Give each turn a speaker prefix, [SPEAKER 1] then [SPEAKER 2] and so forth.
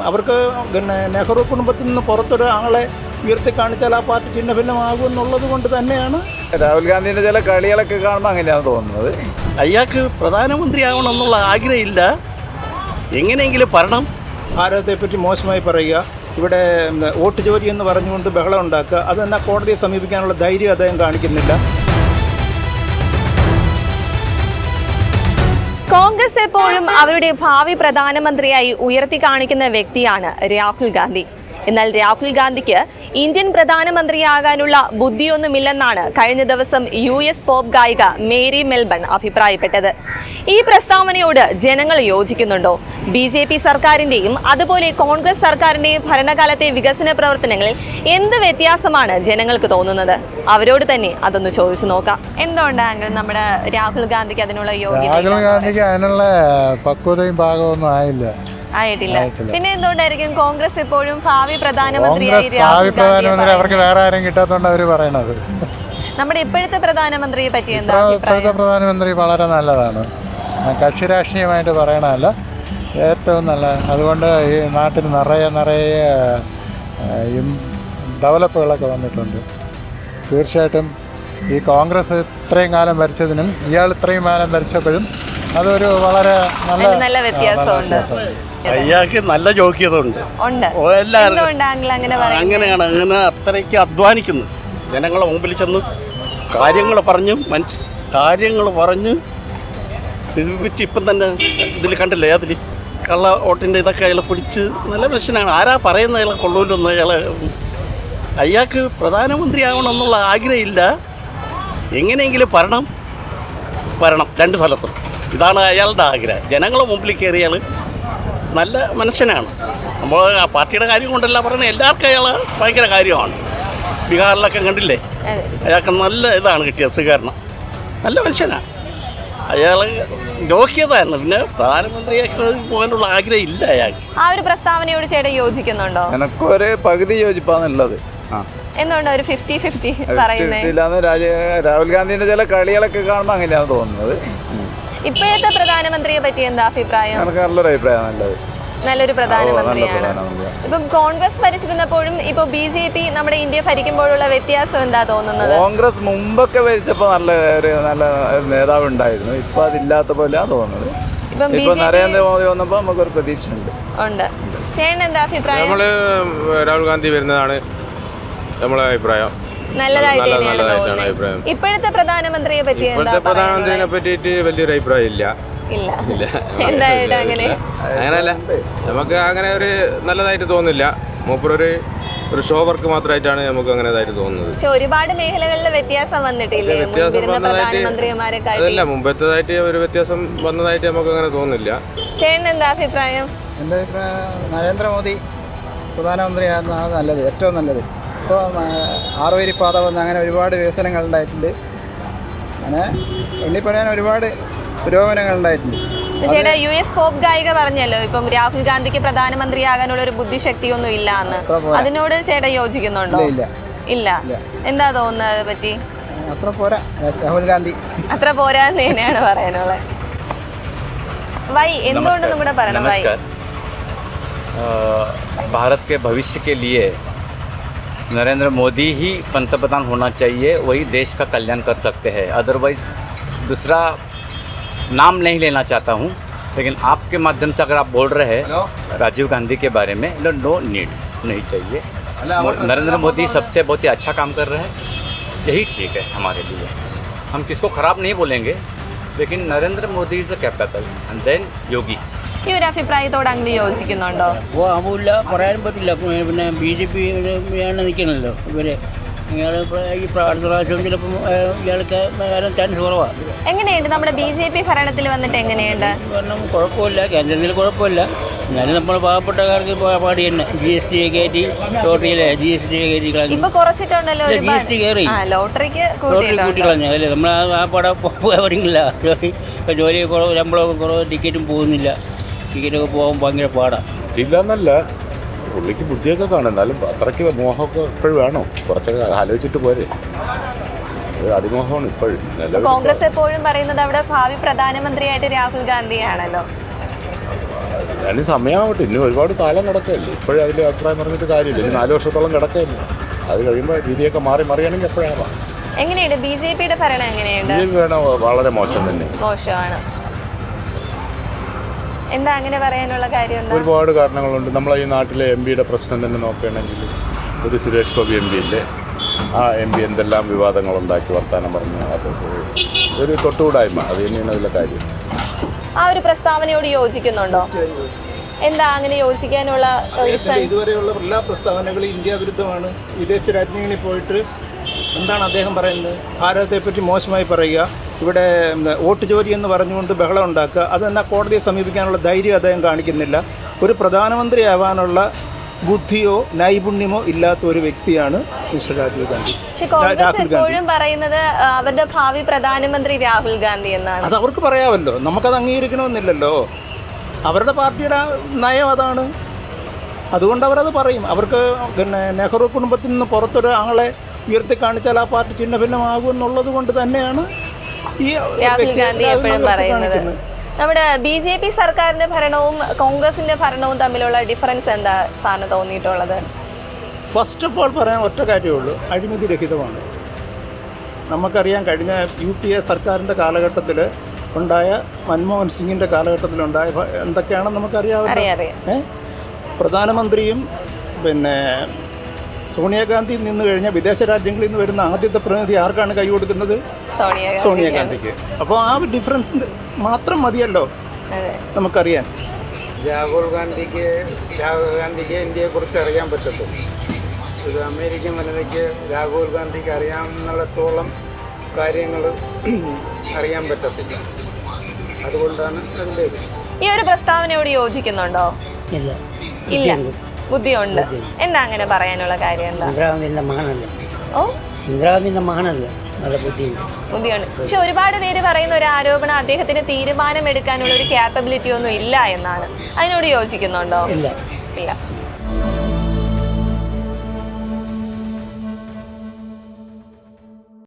[SPEAKER 1] അവർക്ക് പിന്നെ നെഹ്റു കുടുംബത്തിൽ നിന്ന് പുറത്തൊരു ആളെ ഉയർത്തി കാണിച്ചാൽ ആ പാർട്ടി ചിഹ്ന ഭിന്നമാകും എന്നുള്ളത് കൊണ്ട് തന്നെയാണ്.
[SPEAKER 2] രാഹുൽ ഗാന്ധിൻ്റെ ചില കളികളൊക്കെ കാണുമ്പോൾ അങ്ങനെയാണ് തോന്നുന്നത്.
[SPEAKER 3] അയാൾക്ക് പ്രധാനമന്ത്രിയാവണം എന്നുള്ള ആഗ്രഹമില്ല, എങ്ങനെയെങ്കിലും ഭരണം.
[SPEAKER 1] ഭാരതത്തെപ്പറ്റി മോശമായി പറയുക, ഇവിടെ വോട്ട് ചോരി എന്ന് പറഞ്ഞുകൊണ്ട് ബഹളം ഉണ്ടാക്കുക, അത് തന്നെ കോടതിയെ സമീപിക്കാനുള്ള ധൈര്യം അദ്ദേഹം കാണിക്കുന്നില്ല.
[SPEAKER 4] കോൺഗ്രസ് എപ്പോഴും അവരുടെ ഭാവി പ്രധാനമന്ത്രിയായി ഉയർത്തി കാണിക്കുന്ന വ്യക്തിയാണ് രാഹുൽ ഗാന്ധി. എന്നാൽ രാഹുൽ ഗാന്ധിക്ക് ഇന്ത്യൻ പ്രധാനമന്ത്രിയാകാനുള്ള ബുദ്ധിയൊന്നുമില്ലെന്നാണ് കഴിഞ്ഞ ദിവസം US പോപ്പ് ഗായിക മേരി മെൽബൺ അഭിപ്രായപ്പെട്ടത്. ഈ പ്രസ്താവനയോട് ജനങ്ങൾ യോജിക്കുന്നുണ്ടോ? BJP സർക്കാരിന്റെയും അതുപോലെ കോൺഗ്രസ് സർക്കാരിന്റെയും ഭരണകാലത്തെ വികസന പ്രവർത്തനങ്ങളിൽ എന്ത് വ്യത്യാസമാണ് ജനങ്ങൾക്ക് തോന്നുന്നത്? അവരോട് തന്നെ അതൊന്ന് ചോദിച്ചു നോക്കാം. എന്തുകൊണ്ടാണ് നമ്മുടെ രാഹുൽ ഗാന്ധിക്ക് അതിനുള്ള യോഗ്യത?
[SPEAKER 5] രാഹുൽ ഗാന്ധിക്ക് അതിനുള്ള പക്വതയും ഭാഗമൊന്നും
[SPEAKER 4] ആയിട്ടില്ല. പിന്നെ എന്തുകൊണ്ടായിരിക്കും കോൺഗ്രസ് ഇപ്പോഴും ഭാവി പ്രധാനമന്ത്രി
[SPEAKER 5] അവർക്ക് വേറെ ആരും കിട്ടാത്തോണ്ട് അവര് പറയണത്?
[SPEAKER 4] നമ്മുടെ ഇപ്പോഴത്തെ പ്രധാനമന്ത്രിയെ പറ്റി എന്താ?
[SPEAKER 5] ഇപ്പോഴത്തെ പ്രധാനമന്ത്രി വളരെ നല്ലതാണ്, കക്ഷി രാഷ്ട്രീയമായിട്ട് പറയണതല്ല, ഏറ്റവും നല്ല. അതുകൊണ്ട് ഈ നാട്ടിൽ നിറയെ ഡെവലപ്പുകളൊക്കെ വന്നിട്ടുണ്ട്. തീർച്ചയായിട്ടും ഈ കോൺഗ്രസ് ഇത്രയും കാലം ഭരിച്ചതിനും ഇയാൾ ഇത്രയും കാലം ഭരിച്ചപ്പോഴും അതൊരു വളരെ
[SPEAKER 4] നല്ല വ്യത്യാസമുണ്ട്.
[SPEAKER 3] അയാൾക്ക് നല്ല യോഗ്യത ഉണ്ട്. അങ്ങനെയാണ് അത്രയ്ക്ക് അധ്വാനിക്കുന്നത്. ജനങ്ങളെ മുമ്പിൽ ചെന്ന് കാര്യങ്ങൾ പറഞ്ഞ് സ്ഥിതിപ്പിച്ച് ഇപ്പം തന്നെ ഇതിൽ കണ്ടില്ലേ, അതിൽ കള്ള വോട്ടിൻ്റെ ഇതൊക്കെ അയാളെ പിടിച്ച് നല്ല മനുഷ്യനാണ്. ആരാ പറയുന്നത് അയാളെ കൊള്ളൂലെന്ന്? അയാൾക്ക് പ്രധാനമന്ത്രിയാവണം എന്നുള്ള ആഗ്രഹമില്ല, എങ്ങനെയെങ്കിലും ഭരണം രണ്ട് സ്ഥലത്തും. ഇതാണ് അയാളുടെ ആഗ്രഹം. ജനങ്ങളെ മുമ്പിൽ കയറിയാൽ നല്ല മനുഷ്യനാണ്. നമ്മൾ ആ പാർട്ടിയുടെ കാര്യം കൊണ്ടല്ല പറയുന്നത്, എല്ലാവർക്കും അയാൾ ഭയങ്കര കാര്യമാണ്. ബീഹാറിലൊക്കെ കണ്ടില്ലേ, അയാൾക്ക് നല്ല ഇതാണ് കിട്ടിയത്, സ്വീകരണം. നല്ല മനുഷ്യനാണ് അയാൾ, യോഗ്യതയാണ്. പിന്നെ പ്രധാനമന്ത്രിയാക്കി പോകാനുള്ള ആഗ്രഹം ഇല്ല അയാൾക്ക്.
[SPEAKER 4] ആ ഒരു പ്രസ്താവനയോട് ചേട്ടൻ യോജിക്കുന്നുണ്ടോ?
[SPEAKER 2] എനക്കൊരു പകുതി യോജിപ്പാന്നുള്ളത്.
[SPEAKER 4] എന്തുകൊണ്ടാണ് ഒരു 50-50 പറയുന്നത്?
[SPEAKER 2] രാഹുൽ ഗാന്ധിന്റെ ചില കളികളൊക്കെ കാണുമ്പോൾ അങ്ങനെയാണ് തോന്നുന്നത്.
[SPEAKER 4] ഇപ്പോഴത്തെ പ്രധാനമന്ത്രിയെ പറ്റി എന്താ അഭിപ്രായം?
[SPEAKER 2] നല്ലൊരു അഭിപ്രായം,
[SPEAKER 4] നല്ലൊരു പ്രധാനമന്ത്രിയാണ്. ഇപ്പം കോൺഗ്രസ് ഭരിച്ചിരുന്നപ്പോഴും ഇപ്പൊ BJP നമ്മുടെ ഇന്ത്യ ഭരിക്കുമ്പോഴുള്ള വ്യത്യാസം എന്താ തോന്നുന്നത്?
[SPEAKER 2] കോൺഗ്രസ് മുമ്പൊക്കെ ഭരിച്ചപ്പോ നല്ല നേതാവ് ഉണ്ടായിരുന്നു, ഇപ്പൊ അതില്ലാത്ത പോലെയാണ് തോന്നുന്നത്. ഇപ്പൊ നരേന്ദ്രമോദി വന്നപ്പോ നമുക്കൊരു പ്രതീക്ഷ ഉണ്ട്.
[SPEAKER 4] ചേട്ടൻ എന്താ അഭിപ്രായം?
[SPEAKER 6] നമ്മള് രാഹുൽ ഗാന്ധി വരുന്നതാണ് നമ്മളെ അഭിപ്രായം.
[SPEAKER 4] നല്ലതായിട്ട് തന്നെയാണ് തോന്നുന്നത്. ഇപ്പോഴത്തെ പ്രധാനമന്ത്രിയെ പറ്റി
[SPEAKER 6] പ്രധാനമന്ത്രിനെ പറ്റിയിട്ട് വലിയൊരു അഭിപ്രായം ഇല്ല.
[SPEAKER 4] എന്തായാലും
[SPEAKER 6] അങ്ങനെയല്ല, നമുക്ക് അങ്ങനെ ഒരു നല്ലതായിട്ട് തോന്നില്ല. മൂപ്പരൊരു ഷോ വർക്ക് മാത്രമായിട്ടാണ് നമുക്ക് അങ്ങനെതായിട്ട് തോന്നുന്നത്.
[SPEAKER 4] പക്ഷെ ഒരുപാട് മേഖലകളിലെ വ്യത്യാസം വന്നിട്ടില്ലേ?
[SPEAKER 6] അതല്ല, മുമ്പത്തേതായിട്ട് ഒരു വ്യത്യാസം വന്നതായിട്ട് നമുക്ക് അങ്ങനെ തോന്നുന്നില്ല.
[SPEAKER 4] ചേട്ടൻ എന്താ അഭിപ്രായം?
[SPEAKER 7] എൻ്റെ അഭിപ്രായം നരേന്ദ്രമോദി പ്രധാനമന്ത്രിയാകുന്നതാണ് നല്ലത്, ഏറ്റവും നല്ലത്. ഇപ്പോൾ 6 വരി പാത വന്ന് അങ്ങനെ ഒരുപാട് വികസനങ്ങൾ ഉണ്ടായിട്ടുണ്ട്. അങ്ങനെ എണ്ണിപ്പറയാൻ ഒരുപാട് പുരോഗമനങ്ങൾ ഉണ്ടായിട്ടുണ്ട്.
[SPEAKER 4] ചേട്ടാ, US പോപ്പ് ഗായിക പറഞ്ഞല്ലോ ഇപ്പം രാഹുൽ ഗാന്ധിക്ക് പ്രധാനമന്ത്രിയാകാനുള്ള ഒരു ബുദ്ധിശക്തിയൊന്നും ഇല്ല എന്ന്. അതിനോട് ചേട്ടാ യോജിക്കുന്നുണ്ടോ? ഇല്ല. എന്താ തോന്നുന്നത് പറ്റി?
[SPEAKER 7] അത്ര പോരാ, രാഹുൽ ഗാന്ധി
[SPEAKER 4] അത്ര പോരാന്ന് തന്നെയാണ് പറയാനുള്ളത്. വൈ എന്തുകൊണ്ടെന്നും കൂടെ പറയണം. വൈ
[SPEAKER 8] भारत के भविष्य के लिए नरेंद्र मोदी ही पंतप्रधान होना चाहिए, वही देश का कल्याण कर सकते हैं. अदरवाइज़ दूसरा नाम नहीं लेना चाहता हूँ, लेकिन आपके माध्यम से अगर आप बोल रहे हैं राजीव गांधी के बारे में, नो नीड, नहीं चाहिए. नरेंद्र मोदी सबसे बहुत ही अच्छा काम कर रहे हैं, यही ठीक है हमारे लिए. हम किसको ख़राब नहीं बोलेंगे, लेकिन Narendra Modi is capable and then Yogi.
[SPEAKER 4] ഈ ഒരു അഭിപ്രായത്തോട് അങ്ങനെ യോജിക്കുന്നുണ്ടോ?
[SPEAKER 9] ആവില്ല, പറയാനും പറ്റില്ല. പിന്നെ BJP ആണ് നിൽക്കണല്ലോ ഇവര്. ഈ അടുത്ത പ്രാവശ്യം ചിലപ്പം ഇയാൾക്ക് ചാൻസ് കുറവാണ്.
[SPEAKER 4] എങ്ങനെയുണ്ട് നമ്മുടെ BJP ഭരണത്തിൽ വന്നിട്ട്? എങ്ങനെയുണ്ട്?
[SPEAKER 9] കാരണം കുഴപ്പമില്ല, കേന്ദ്രത്തിൽ കുഴപ്പമില്ല. എന്നാലും നമ്മൾ പാവപ്പെട്ടക്കാർക്ക് പാടി തന്നെ GST കയറ്റി, ലോട്ടറിയിലെ GST കയറ്റി കളഞ്ഞു.
[SPEAKER 4] ഇപ്പൊ കുറച്ചിട്ടുണ്ടല്ലോ,
[SPEAKER 9] GST കയറി,
[SPEAKER 4] ലോട്ടറിക്ക്
[SPEAKER 9] കൂട്ടി കളഞ്ഞു. അല്ലേ, നമ്മൾ ആ പടം പോകാറില്ല. ജോലി കുറവ്, ശമ്പളമൊക്കെ കുറവ്, ടിക്കറ്റും പോകുന്നില്ല. ടിക്കറ്റൊക്കെ പോകാൻ ഭയങ്കര പാടാണ്.
[SPEAKER 10] ഇല്ലെന്നല്ല, പുള്ളിക്ക് ബുദ്ധിയൊക്കെ കാണും, എന്നാലും അത്രയ്ക്ക് മോഹമൊക്കെ ഇപ്പോഴും വേണോ? കുറച്ചൊക്കെ ആലോചിച്ചിട്ട് പോരെ. അതിമോഹമാണ് ഇപ്പോഴും.
[SPEAKER 4] കോൺഗ്രസ് എപ്പോഴും പറയുന്നത് അവിടെ ഭാവി പ്രധാനമന്ത്രിയായിട്ട് രാഹുൽ ഗാന്ധിയാണല്ലോ.
[SPEAKER 10] അതിന് സമയമാവട്ടെ, ഇനി ഒരുപാട് കാലം കിടക്കുകയല്ലേ. ഇപ്പോഴും അതിൽ അഭിപ്രായം പറഞ്ഞിട്ട് കാര്യമില്ല. ഇനി 4 വർഷത്തോളം കിടക്കുകയല്ലേ. അത് കഴിയുമ്പോൾ രീതിയൊക്കെ മറിയാണെങ്കിൽ എപ്പോഴാവാം.
[SPEAKER 4] എങ്ങനെയുണ്ട് ബിജെപിയുടെ ഭരണം? എങ്ങനെയുണ്ട്?
[SPEAKER 10] ബിജെപി ഭരണം വളരെ മോശം തന്നെ.
[SPEAKER 4] മോശമാണ്. എന്താ അങ്ങനെ പറയാനുള്ള കാര്യം?
[SPEAKER 10] ഒരുപാട് കാരണങ്ങളുണ്ട്. നമ്മളെ ഈ നാട്ടിലെ MP പ്രശ്നം തന്നെ നോക്കുകയാണെങ്കിൽ ഒരു സുരേഷ് ഗോപി MP ഇല്ലേ, ആ MP എന്തെല്ലാം വിവാദങ്ങളുണ്ടാക്കി വർത്തമാനം പറഞ്ഞു. അത് ഒരു തൊട്ടുകൂടായ്മ, അത് തന്നെയാണ് അതിലെ കാര്യം.
[SPEAKER 4] ആ ഒരു പ്രസ്താവനയോട് യോജിക്കുന്നുണ്ടോ? എന്താ അങ്ങനെ യോജിക്കാനുള്ള
[SPEAKER 1] ഇതുവരെയുള്ള എല്ലാ പ്രസ്താവനകളും ഇന്ത്യ വിരുദ്ധമാണ്. വിദേശ രാജ്യങ്ങളിൽ പോയിട്ട് എന്താണ് അദ്ദേഹം പറയുന്നത്? ഭാരതത്തെ പറ്റി മോശമായി പറയുക, ഇവിടെ വോട്ട് ചോരി എന്ന് പറഞ്ഞുകൊണ്ട് ബഹളം ഉണ്ടാക്കുക. അതെന്നാൽ കോടതിയെ സമീപിക്കാനുള്ള ധൈര്യം അദ്ദേഹം കാണിക്കുന്നില്ല. ഒരു പ്രധാനമന്ത്രിയാവാനുള്ള ബുദ്ധിയോ നൈപുണ്യമോ ഇല്ലാത്ത ഒരു വ്യക്തിയാണ് മിസ്റ്റർ രാഹുൽ ഗാന്ധി.
[SPEAKER 4] എപ്പോഴും പറയുന്നത് അവരുടെ ഭാവി പ്രധാനമന്ത്രി രാഹുൽ ഗാന്ധി എന്നാണ്.
[SPEAKER 1] അത് അവർക്ക് പറയാമല്ലോ, നമുക്കത് അംഗീകരിക്കണമെന്നില്ലല്ലോ. അവരുടെ പാർട്ടിയുടെ നയം അതാണ്, അതുകൊണ്ട് അവരത് പറയും. അവർക്ക് പിന്നെ നെഹ്റു കുടുംബത്തിൽ നിന്ന് പുറത്തൊരു ആളെ ഉയർത്തി കാണിച്ചാൽ ആ പാർട്ടി ചിഹ്ന ഭിന്നമാകും എന്നുള്ളത് കൊണ്ട് തന്നെയാണ് ഈ
[SPEAKER 4] രാഹുൽ ഗാന്ധി എപ്പോഴും പറയുന്നത്. നമ്മുടെ BJP സർക്കാരിന്റെ ഭരണവും കോൺഗ്രസിന്റെ ഭരണവും തമ്മിലുള്ള ഡിഫറൻസ് എന്താ സാറിന് തോന്നിയിട്ടുള്ളത്?
[SPEAKER 1] ഫസ്റ്റ് ഓഫ് ഓൾ പറയാൻ ഒറ്റ കാര്യമുള്ളൂ, അഴിമതി രഹിതമാണ്. നമുക്കറിയാം, കഴിഞ്ഞ UPA സർക്കാരിൻ്റെ കാലഘട്ടത്തിൽ ഉണ്ടായ, മൻമോഹൻ സിംഗിൻ്റെ കാലഘട്ടത്തിലുണ്ടായ എന്തൊക്കെയാണെന്ന് നമുക്കറിയാമല്ലോ. പ്രധാനമന്ത്രിയും പിന്നെ സോണിയാഗാന്ധി നിന്ന് കഴിഞ്ഞാൽ വിദേശ രാജ്യങ്ങളിൽ നിന്ന് വരുന്ന ആദ്യത്തെ പ്രതിനിധി ആർക്കാണ് കൈ കൊടുക്കുന്നത്? സോണിയാഗാന്ധിക്ക്. അപ്പോൾ ആ ഡിഫറൻസ് മാത്രം മതിയല്ലോ നമുക്കറിയാൻ.
[SPEAKER 11] രാഹുൽ ഗാന്ധിക്ക് ഇന്ത്യയെക്കുറിച്ച് അറിയാൻ പറ്റത്തുള്ളൂ. ഒരു അമേരിക്കൻ വനിതയ്ക്ക് രാഹുൽ ഗാന്ധിക്ക് അറിയാവുന്നിടത്തോളം കാര്യങ്ങൾ അറിയാൻ പറ്റത്തില്ല. അതുകൊണ്ടാണ് അതിൻ്റെ
[SPEAKER 4] ഈ ഒരു പ്രസ്താവനയോട് യോജിക്കുന്നുണ്ടോ? ഇല്ല. ബുദ്ധിയുണ്ട്. എന്താ അങ്ങനെ പറയാനുള്ള കാര്യം? എന്താ?
[SPEAKER 9] ഇന്ദിരാഗാന്ധിന്റെ മകനല്ലേ.
[SPEAKER 4] ഓ,
[SPEAKER 9] ഇന്ദിരാഗാന്ധിന്റെ മകനല്ലേ, നല്ല ബുദ്ധിയുണ്ട്.
[SPEAKER 4] പക്ഷെ ഒരുപാട് പേര് പറയുന്ന ഒരു ആരോപണം അദ്ദേഹത്തിന് തീരുമാനമെടുക്കാനുള്ള ഒരു ക്യാപ്പബിലിറ്റി ഒന്നും ഇല്ല എന്നാണ്. അതിനോട് യോജിക്കുന്നുണ്ടോ?
[SPEAKER 9] ഇല്ല.
[SPEAKER 4] ഇല്ല.